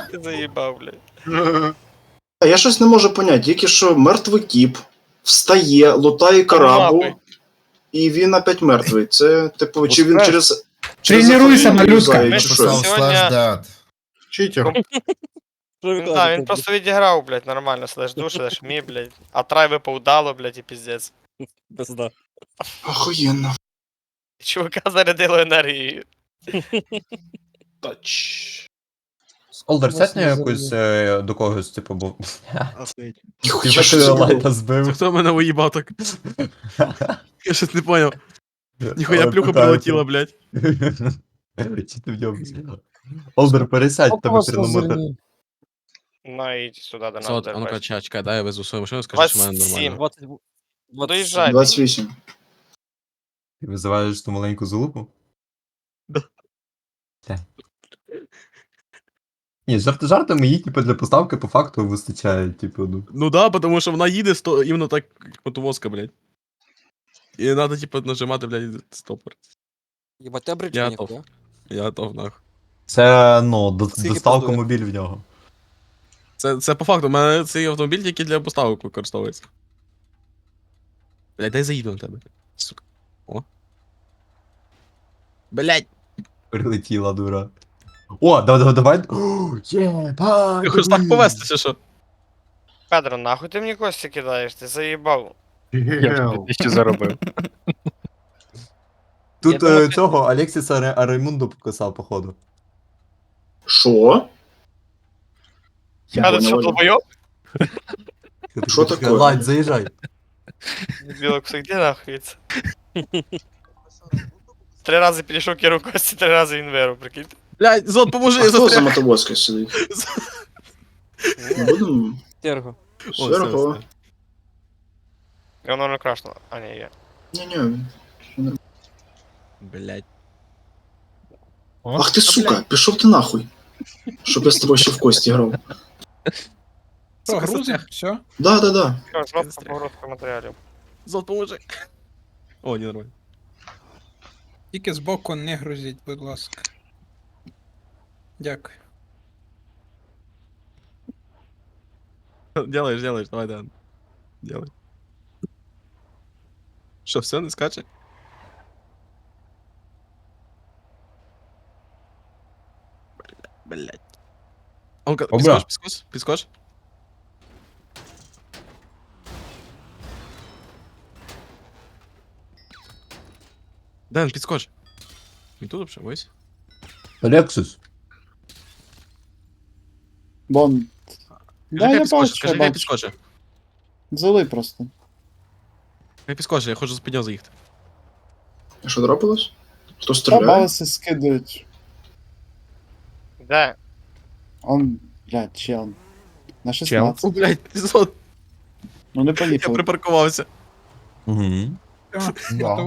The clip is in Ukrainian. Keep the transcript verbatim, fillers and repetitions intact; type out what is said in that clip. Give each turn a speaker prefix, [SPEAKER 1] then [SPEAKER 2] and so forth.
[SPEAKER 1] Ти заїбав, блядь.
[SPEAKER 2] А я щось не можу поняти, тільки що мертвий кіп встає, лутає карабу, і він опять мертвий. Це, типу, чи він через... через
[SPEAKER 3] Тренуйся,
[SPEAKER 2] заходження
[SPEAKER 3] малюска.
[SPEAKER 2] юзає,
[SPEAKER 1] Ми
[SPEAKER 2] чи
[SPEAKER 1] написав
[SPEAKER 2] що?
[SPEAKER 1] Сьогодні-
[SPEAKER 4] slash that.
[SPEAKER 5] Читер.
[SPEAKER 1] Він, да, він просто відіграв, блядь, нормально, слеш душ, слеш мі, блядь. А трай випав дало, блядь, і піздець.
[SPEAKER 6] Пизда.
[SPEAKER 2] Охуєнно.
[SPEAKER 1] Чувака зарядило енергією.
[SPEAKER 2] Тач.
[SPEAKER 3] Олдер, сетня якусь е, до когось, типу, був. Ти
[SPEAKER 2] Ніхуя
[SPEAKER 3] ж
[SPEAKER 2] що
[SPEAKER 3] ти
[SPEAKER 2] це
[SPEAKER 3] лайта
[SPEAKER 2] було.
[SPEAKER 3] збив.
[SPEAKER 7] Хто мене уїбав так? Я щось не поняв. Ніхуя
[SPEAKER 3] Але
[SPEAKER 7] плюха
[SPEAKER 3] питаю,
[SPEAKER 7] прилетіла, блядь.
[SPEAKER 3] Чи ти в ньому? Олдер, пересядь, тебе хронометр.
[SPEAKER 1] Ну і сюди до нас.
[SPEAKER 7] Сот, а ну-ка, чекай, чекай, дай я везу свою машину, скажи, що в мене
[SPEAKER 1] двадцять сім.
[SPEAKER 7] нормально.
[SPEAKER 6] двадцать.
[SPEAKER 1] Доїжджай.
[SPEAKER 2] двадцять вісім.
[SPEAKER 3] Ти визиваєш ту маленьку залупу?
[SPEAKER 7] Да.
[SPEAKER 3] Та. Ні, жарти жартами її, типу, для поставки по факту вистачає, типу, ну.
[SPEAKER 7] Ну да, потому що вона їде сто, іменно так, як мотовозка, блядь. І надо, типу, нажимати, блядь, стопор.
[SPEAKER 6] Ебать, ты обречь
[SPEAKER 7] Я
[SPEAKER 6] меня,
[SPEAKER 7] готов.
[SPEAKER 6] хуя.
[SPEAKER 7] Я готов, нахуй.
[SPEAKER 3] Це, ну, до-
[SPEAKER 6] Скільки
[SPEAKER 3] доставка
[SPEAKER 6] коштує?
[SPEAKER 3] мобіль в нього.
[SPEAKER 7] Це, це по факту, у мене цей автомобіль тільки для поставок використовується. Блядь, дай заїду на тебе. Сука. О. Блядь.
[SPEAKER 3] Прилетіла, дура. О, давай, давай, давай. О, єбать,
[SPEAKER 7] Ти хочеш так
[SPEAKER 3] дивись.
[SPEAKER 7] повести, чи що?
[SPEAKER 1] Педро, нахуй ти мені кості кидаєш, ти заїбав.
[SPEAKER 5] Гел.
[SPEAKER 8] Що заробив?
[SPEAKER 3] Тут
[SPEAKER 1] Я думав,
[SPEAKER 3] е,
[SPEAKER 1] ти-
[SPEAKER 3] цього Алексіса Ре- Раймунду покасав, походу.
[SPEAKER 2] Що? Я
[SPEAKER 1] Педро, що
[SPEAKER 2] понял.
[SPEAKER 1] долбойоб?
[SPEAKER 2] Що таке?
[SPEAKER 3] Ладь, заїжджай.
[SPEAKER 1] Білок, все де нахуй це? Три рази підійшов керу кості, три рази він виру, прикиньте.
[SPEAKER 7] Блядь, Зод, поможи,
[SPEAKER 2] А
[SPEAKER 7] я
[SPEAKER 2] хто за
[SPEAKER 7] застряг.
[SPEAKER 2] мотовозкою сидить? Будемо...
[SPEAKER 6] Терго.
[SPEAKER 7] О, все,
[SPEAKER 2] Серго.
[SPEAKER 7] все.
[SPEAKER 1] І воно не крашнуло. А, ні, є.
[SPEAKER 2] Ні-ні.
[SPEAKER 7] Блядь.
[SPEAKER 2] Ах ти, сука, пішов ти нахуй. Щоб я з тобою ще в кості грав.
[SPEAKER 3] Що,
[SPEAKER 7] Сука,
[SPEAKER 3] грузим?
[SPEAKER 7] застряг.
[SPEAKER 3] Все?
[SPEAKER 2] Да, да, да.
[SPEAKER 1] Що, жовтка
[SPEAKER 7] застряг.
[SPEAKER 1] погрузка матеріалів.
[SPEAKER 7] Зод, поможи. О, ні, нормально.
[SPEAKER 9] Тільки збоку не грузіть, будь ласка. Дякую.
[SPEAKER 7] Делаешь, делаешь, давай, да. Делай. Що, все, не скаче? Блядь. Он-ка,
[SPEAKER 3] Обра.
[SPEAKER 7] підскоч, підскоч, підскоч. Дэн, підскоч. Не тут вообще, вись.
[SPEAKER 3] Лексус.
[SPEAKER 10] Бон. Да,
[SPEAKER 7] Скажи,
[SPEAKER 10] я
[SPEAKER 7] підскоче,
[SPEAKER 10] бачу,
[SPEAKER 7] скажи,
[SPEAKER 10] я
[SPEAKER 7] хай
[SPEAKER 10] бачу.
[SPEAKER 7] підскоче.
[SPEAKER 10] Зали просто.
[SPEAKER 7] Хай підскоче, я хочу за підняв заїхати.
[SPEAKER 2] А що трапилось? Хто стріляє?
[SPEAKER 10] Трабалиси скидують.
[SPEAKER 1] Де?
[SPEAKER 10] Он, блядь, чел. На
[SPEAKER 7] О,
[SPEAKER 10] шістнадцять.
[SPEAKER 7] блядь, Зод,
[SPEAKER 10] Ну не
[SPEAKER 7] я
[SPEAKER 10] поїхали.
[SPEAKER 7] припаркувався.
[SPEAKER 3] Угу.
[SPEAKER 9] Да.